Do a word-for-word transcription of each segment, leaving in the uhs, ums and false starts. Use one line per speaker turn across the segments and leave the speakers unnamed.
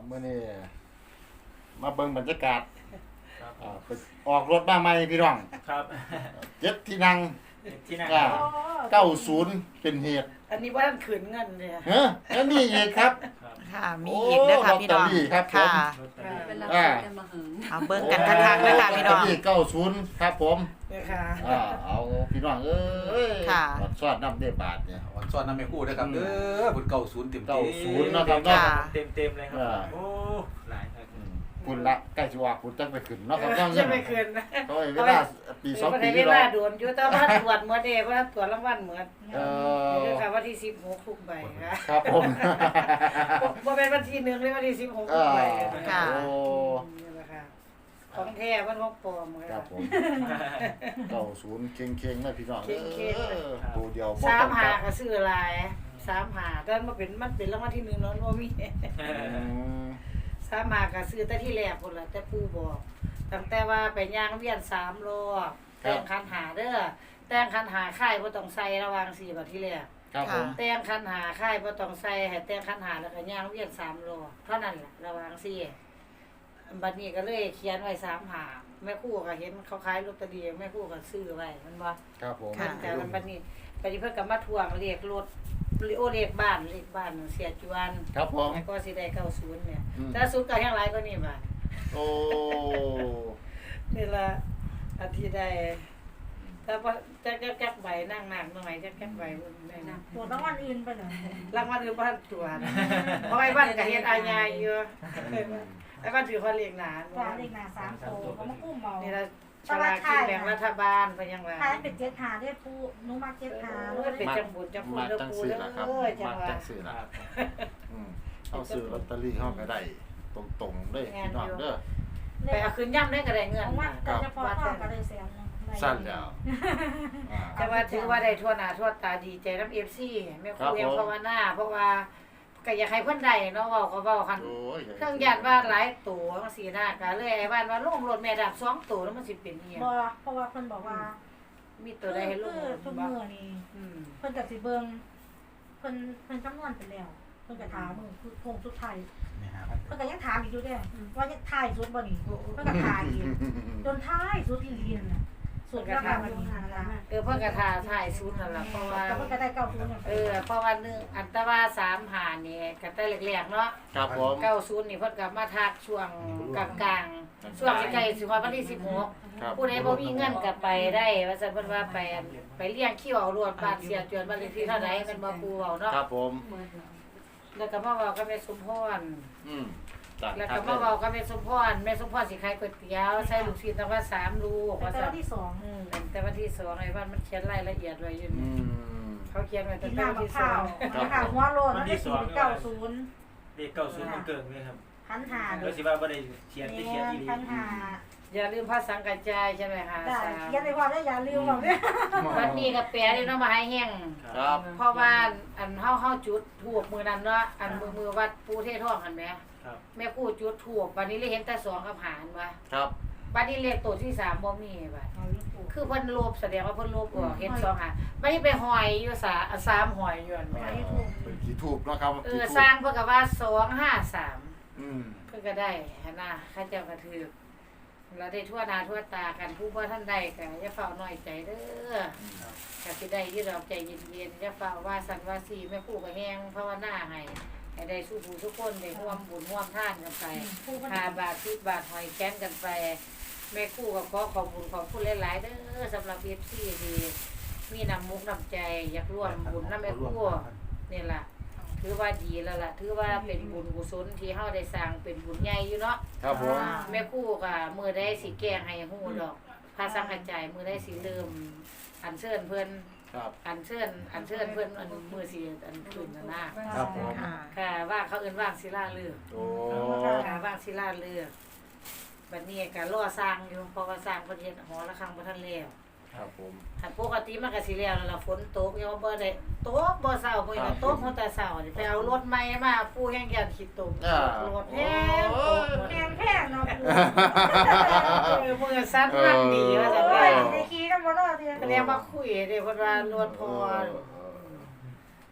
มื้อนี้มาเบิ่งบรรยากาศ
ครับ
อ่าไปออกรถมาใหม่พี่น้อง
ครับ
เจ็ดที่นั่ง
ที่นั่ง
อ่า
ครับ
เก้าสิบเป็นเหตุ
อันนี้ว่าท่านขืนเงินเลย
เฮ้ยแล้วนี่อีกครับ
ครับ
ค่ะมีอีกนะคะพี่น้อง
ลอตเตอรี่ครับผม
ค่ะ
รถตอรี่
เป็นเรา
อ่า
กันมาหึง
เอาเบิ่งกันคักๆนะคะพี่น้อง
ลตเตรี่เก้าสิบครับผม
เนี่ยค่ะ
อ่าเอาพี่น้องเอ้ย
ค่ะ
บัดซอดน้ำได้บาทเนี่ย
วันซ้อนน้ำไม่คู่นะครับเด้อบุญเก่าศูนย์เต็ม
เก้า
เต็ม
ศูนย์นะครับเนาะ
ค่ะ
เต็มเต็มๆเลยครั
อ่า
บโอ้หลายครับ
อืมคุณละใกล้จะว่าคุณจังไปขึ้นเนาะครับน้อง
จะไม่คืนนะ
เขาให้เวลาปีสอง
ปี
ปี
เว
ที่
ลา
เรา
โดนอยู่แต่ว่าตรวจเมื่อเดย์ว่าตรวจรางวัลเหมือน
เออ
เดี๋ยวค่ะวันที่สิบหกทุกใบค่ะ
ครับผม
ว่าเป็นวันที่หนึ่งหรือวันที่สิบหก
เอ
ทุก
อ
ใบ
ค่ะ
โอ้
นี่แหละค่ะของแท้วันของปลอม
ค
ค่ะ
รับผมเก้าศูนย์เค็งๆนะพี่น้อง
เค็งๆ
เออตัวเดียวบ่
สาม
ต้อง
หาก
ลับ
ก็ซื้อลายสามหาแต่มันเป็นมันเป็นรางวัลที่หนึ่งเนาะว่ามี
อืม
สามหากก็ซื้อแต่ที่แรกคนละแต่ปู่บอกตั้งแต่ว่าไปย่างเวียนสามรอบแต่งคันหาเด้อแต่งคันหาค่ายบ่ต้องใส่ระหวังสี่บัดที่แรก
ครับผม
แต่งคันหาค่ายบ่ต้องใส่ให้แต่งคันหาแล้วก็ย่างเวียนสามรอบเท่านั้นแหละระหวังสี่บัดนี้ก็เลยเขียนไว้สามหาแม่ครู่ก็เห็นเขาขายลอตเตอรี่แม่ครู่ก็ซื้อไว้มันบ่
ครับผม
ค่ะ
แต่บัดนี้บัดนี้เพิ่นก็มาทวงเลขรถโอเลขบ้านเลขบ้านเสียจวน
ครับผม
แล้วก็สิได้เก้าสิบเนี่ย
อืม
แต่ศูนย์ก็ยังหลายกว่านี้บ่า
โอ้
นี่ละอาทิตย์ได้แต่ว่าจะจะแก๊กใบนั่งนั่งหน่อยจะแก๊กใบได้นะ
ตรวจรางวัลอื่นไปเลย
รางวัลอื่นบ่ทันตรวจเพราะไอ้บ้านก็เฮ็ดอาญาอยู่ไอ้บ้านถือว่าเลี้ยงหลาน
จานเลขหน้าสามโตเขามากู้เมา
นี่ละฉลากกินแบ่งรัฐบาลเพิ่นยังว่า
ถ้าเป็นเจ็ดหาได้ปูนุมาเจ็ดหา
เอ้ยเป็นจังบุญจังคุณ
มา
เด้อ
จัง
ปู
สื่อ
เด้
ละครับ
อจั
มาง
ว่า
จังสื่อ
ค
ละ
รับ
อืมเอาซื้อลอตเตอรี่เข้าไปได้ตรงๆเลยพี่น้องเด้อ
ไปเอาคืนย่ำได้ก็ได้เงิน
ของวัดแต่เฉพาะข้อก็ได้แสนนึง
สั้นแล้วอ่า
แต่ว่าถือว่าได้ทั่วหน้าทั่วตาดีใจนำ เอฟ ซี แม่ค
ครั
รู
บผม
ยังภาวนาเพราะว่าก็อยากให้เพิ่นได้เนาะเว้าก็เว้าคัน
โอ้ย
เครื่องยันว่าหลายตัวจังซี่นะก็เลยไอ้บ้านว่าลงรถแม่ดับสองตัวแล้วมันสิเป็นอีหยัง
บ่เพราะว่าเพิ่นบอกว่า
มีตัวใดให้ลง
คือทุกมื้อนี่
อืม
เพิ่นก็สิเบิ่งเพิ่นเพิ่นคำนวณไปแล้วเพิ่นก็ถามมือคือโคงสุดท้ายเพิ่นก็ยังถามอีกอยู่เด้ว่าจะท้ายสุดบ่นี่เพิ่นก็ถามอีกจนท้ายสุดอีหลีนั่นน่ะสุดแล้วก็วันนี้นั่นล่ะ
เออเพิ่นก็ท่าทายสุดนั่นล่ะเพราะว่า
แต่เพิ่นก็ได้เก้าศูนย์
เออเพราะว่าหนึงอันตว่าสามหานี่ก็แต่แรกๆเนาะ
ครับผม
เก้าศูนย์นี่เพิ่นก็มาทักช่วงกลางๆช่วงใกล้ๆสิฮอดวันที่สิบหก
ครับ
ผู้ใดบ่มีเงินก็ไปได้ว่าซั่นเพิ่นว่าไปไปเลี้ยงคิวเอารวดบ้านเสียจวนบ้านเลขที่เท่าใดแม่นบ่ครูเว้าเนาะ
ครับผม
เมื่อเรา
แล้วก็มาเว้ากับแม่สมพร
อืมจัด
แล้ว
ครั
ก็
บ
มาเว้ากับแม่สมพรแม่สมพรสิขายก๋วยเตี๋ยวใส่ลูกชิ้นตั้งว่าสามลูก
แต่
ว่า
วั
ซั่น
นที่สอง
อืมแต่วันที่สองไอ้บ้านมันเขียนรายละเอียดไว้อยู่
อื
นี่
ม
เขาเขียนไว้
กิ
ตั้
น
งแต่
น้ำ
วัน
มะ
ที่
พ
สอ
ร้าว
ง
มะพร้าวหัวโลนแล้วก็สี่เก้าศูนย์
เด็กเก่าศูนย์มันเกิงเลยครับ
พันหา
แล้วสิว่าบ่ได้เขียนไป
เนี่
เขียน
ย
อีหลี
พันหา
อย่าลืมพระสังกัจจายใช่ไหมคะ
ได้
สาม
เขียนในความได้อย่าลืมบอกเนี่ย
วันนี้ก็แปลได้เนาะมาให้แห้ง
ครับ
เพราะว่าอันเฮาเฮาจุดถูกมือนั้นเนาะอันมือมือวัดปูเทศท่องกันแหม
ครับ
แม่กู้จุดถูกวันนี้เลยเห็นแต่สองกับหารว่า
ครับ
บัดนี้เลขตัวที่สามบ่มีบัดคือเพิ่นลบแสดงว่าเพิ่นลบออกเห็นสองหารบัดนี้ไปหอยอยู่สาสามหอยอยู่อันแหม
เป็นกี่ทูบเนาะครับ
เอ
กี่
อ
ทูบ
สร้างเพิ่นก็ว่าสองห้าสาม
อืม
เพิ่นก็ได้หั่นน่ะข้าเจ้าก็ถือแล้วได้ทั่วหน้าทั่วตากันผู้บ่ทันได้ก็อย่าเฝ้าน้อยใจเด้อก็สิได้อยู่ดอกใจเย็นๆอย่าเฝ้าว่าสั่นว่าสีแม่ครูก็แฮงภาวนาให้ให้ได้สู้ผู้ทุกคนได้ร่วมบุญร่วมทานกันไปห้าบาทสิบบาทหอยแค้นกันไปแม่ครูก็ขอขอบคุณขอบคุณหลายๆเด้อสำหรับ เอฟ ซี ที่มีน้ำมุกน้ำใจอยากร่วมบุญนำแม่ครูนี่ล่ะถือว่าดีแล้วล่ะถือว่าเป็นบุญกุศลที่เฮาได้สร้างเป็นบุญใหญ่อยู่เนาะ
ครับผม
แม่ครูก็มื้อใดสิแก้ให้ฮู้ดอกพระสังฆจายมื้อใดสิเริ่มอัญเชิญเพิ่น
ครับ
อัญเชิญอัญเชิญเพิ่นอันมื้อสิอันขึ้นน่ะนะครับ
ผม
ค่ะ
ค่ะว่าเขาเอิ้นว่างศิลาฤกษ์
โอ้
ค่ะว่างศิลาฤกษ์บัดนี้ก็รอสร้างอยู่เพราะว่าสร้างเพิ่นเฮ็ดหอระฆังบ่ทันแล้ว
ครับผม
ถ้าปกติมันก็สิแล้วแล้วล่ะฝนตกยังบ่ได้ตกบ่เช้ามื้อนี้ตกตั้งแต่เช้านี่ไปเอารถใหม่มาปู่แห่งยันขี้ตกรถแฮงตกหมด
แพงแพงเนาะ
เออมือสั้นมันดีว่าซั่น
โอ้
ว่าย
ในคีกันบ่ได้ที
เรียกมาคุยเด้เพิ่นว่ารถพอ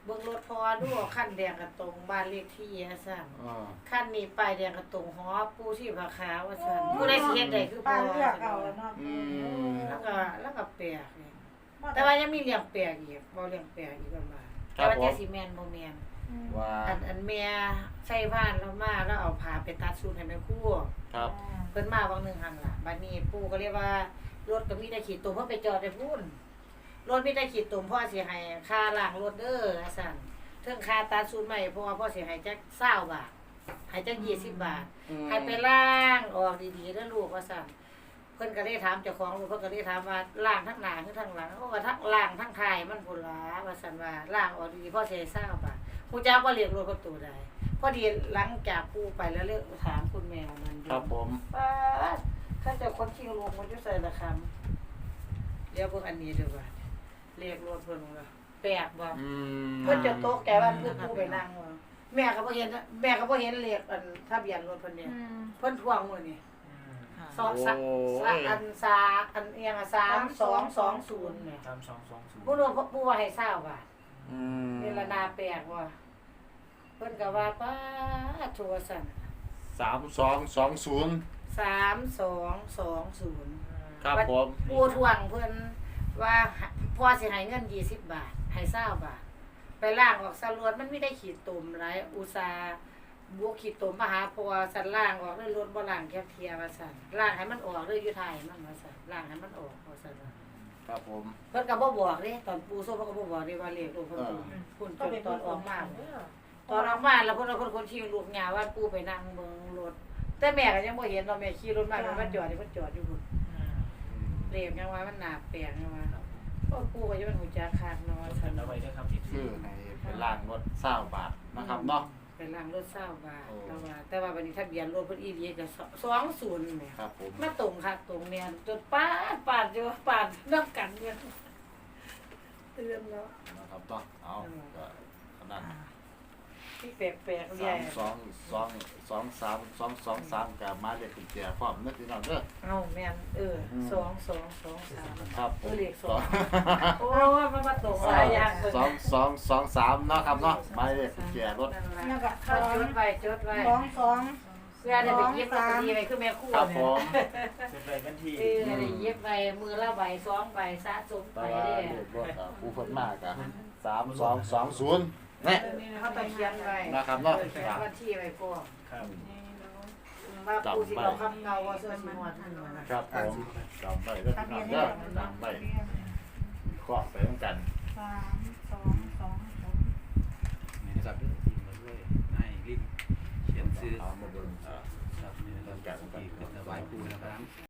บิ่งรถพอดูคันแดงกระตรงบ้านเลขที่อะซั่น
อ่า
คันนี้ป้ายแดงกระตรงหอปูที่ผาขาวว่าซั่นผู้ใดสิเฮ็ดได้คือพ
ป้า
อ
เลือกเอาแล้วเนาะ
อืม
แล้วก็แล้วก็แปลกนี่แต่ว่ายังมีเลี้ยงแปลกอีกบ่เลี้ยงแปลกอีกประมาณแต่ว่าจะสิแม่นบ่แม่น
ว่า
อันอันแม่ใส่บ้านแล้วมาแล้วเอาผ้าไปตัดสูทให้แม่ครู
ครับ
เพิ่นมาบางหนึงหั่นล่ะบัดนี้ปู่ก็เรียกว่ารถก็มีแต่ขีดตุ่มเพิ่นไปจอดได้พุ่นรถมีแต่ขีดตุ่มพ่อสิให้ค่าล้างรถเด้อว่าซั่นเทิงค่าตัดสูทใหม่เพราะว่าพ่อสิให้จัก20บาทให้จักยี่สิบบาท ให้ไปล้างออกดีๆเด้อลูกว่าซั่นเพิ่นก็ได้ถามเจ้าของลูกเพิ่นก็ได้ถามว่าล้างทั้งหน้าหรือทั้งหลังโอ้ว่าทั้งล้างทั้งท้ายมันพุ่นล่ะว่าซั่นว่าล้างออกดีๆพ่อสิให้20บาทฮู้จักบ่เรียกรถประตูใดพอดีหลังจากปู่ไปแล้วเลยถามคุณแม่มันอยู่
ครับผม
ป้าดข้าเจะคนชิงลูกมันอยู่ใส่ละคำเดี๋ยวเพิ่งอันนี้เด้อว่าเรียกรถเพิ่นว่าแปลกบ่
อืม
เพิ่นจะโต๊ะแกว่าเพิ่นผู้ไปนั่งว่าแม่ก็บ่เห็นแม่ก็บ่เห็นเลขอันทะเบียนรถเพิ่นเนี่ยเพิ่นทวงมื้อนี้
อืม
สองสะสะอันสาอันเอียงอะสามสองสองศูนย์เนี่ย
สามสองสองศูนย์
ผู้รู้ผู้ว่าให้ทราบว่า
อืม
เวลานาแปลกว่าเพิ่นก็ว่าป้าดโทรสั่น
สามสองสองศูนย์
สามสองสองศูนย์
ครับผม
ปูทวงเพิ่นว่าพ่อสิให้เงินยี่สิบบาทให้เศร้าบาท ไปล่างออกสรวดมันไม่ได้ขีดตุ่มหลายอุตสาห์บวกขีดตุ่มมาหาพัวสันล่างออกด้วยรถบ่ล่างแคบเทียว่าซั่นล่างให้มันออกด้วยอยู่ไทยมันว่าซั่นล่างให้มันออกว่าซั่นว่า
ครับผม
เพิ่นก็บ่บอกเด้ตอนปูโซ่เพิ่นก็บ่บอกเด้ว่าเลขลูกเพิ่น
เออ
พุ่น
ก็เป็น
ตอนออกมา
เด้อ
ตอนออกมาแล้วเพิ่นเอาคนคนที่ลูกยาว่าปูไปนั่งเบิ่งรถแต่แม่ก็ยังบ่เห็นเนาะแม่ขี่รถมามันมาจอดนี่เพิ่นจอดอยู่พุ่น
อืม
อืม
เรียกยังว่ามันหนาแปลงยังว่าก็ปูก็จะเป็นหูจักขาดเนาะ
จดเอาไว้ด้วยครับที่
คือให้เป็นล่างรถเศร้าบาทนะครับเนาะ
เป็นล่างรถเศร้าบาท
โอ้
แต่ว่าแต่ว่าวันนี้ทะเบียนรถเพิ่นอีหลีก็สองศูนย์แหม
ครับผม
มาตรงค่ะตรงเนี่ยจนปาดปาดอยู่ปาดนํกันเนี่ยเตือนแล้ว
นะครับเนาะเอาก็ขนาด
ที่แปลกๆให
สา
ญ่
มสองสองสองสามสองสองสามกับมาเรียกกุญแจพร้อมนึกพี่น้องเด้อ
เอ้าแม่นเออสองสองสองสาม
ครับผ
เออ
ม
เลขสองโอ้ยมันมาตรงหลายอย่างเพิ่น
สองสองสองสามเนาะครับเนาะมาเรียกกุญแจรถ
นั่นล่ะก็จดไว้จดไว้
สองสอง
เพื่อได้ไปเย็บลอตเตอรี่ไว้คือแม่ครู่
ครับผ
เนี่ย
ม
จดไว้กันที่
เออได้เย็บใบมือละใบสองใบสะสมไป
แต่ว่า
เด้
เรียกรถอ่ะผู้คนมากอ่ะสามสองสองศูนย์เนี่ย
เขาต้องเขียนไว้
นะครับเนาะ
เขียนวันที่ไว้ก่อน
ครับ
ว่าผู้สิเอาคำเก่าว่าเสื้อสีหมวดนั่นน่ะนะครับ
ผมจำไว้เด้อ
ทะ
พี่
เบี
น้
ย
อน ง
นี่
เด้อจำไว้เคาะไปด้วยกัน
สามสองสองสอง
นี่นะครับเด้อทีมมาด้วยนายลิ้นเขียนซื้อ
เอามาเบิ่ง
ครับนี่นะครับที่เป็นถวายปู่นะครับ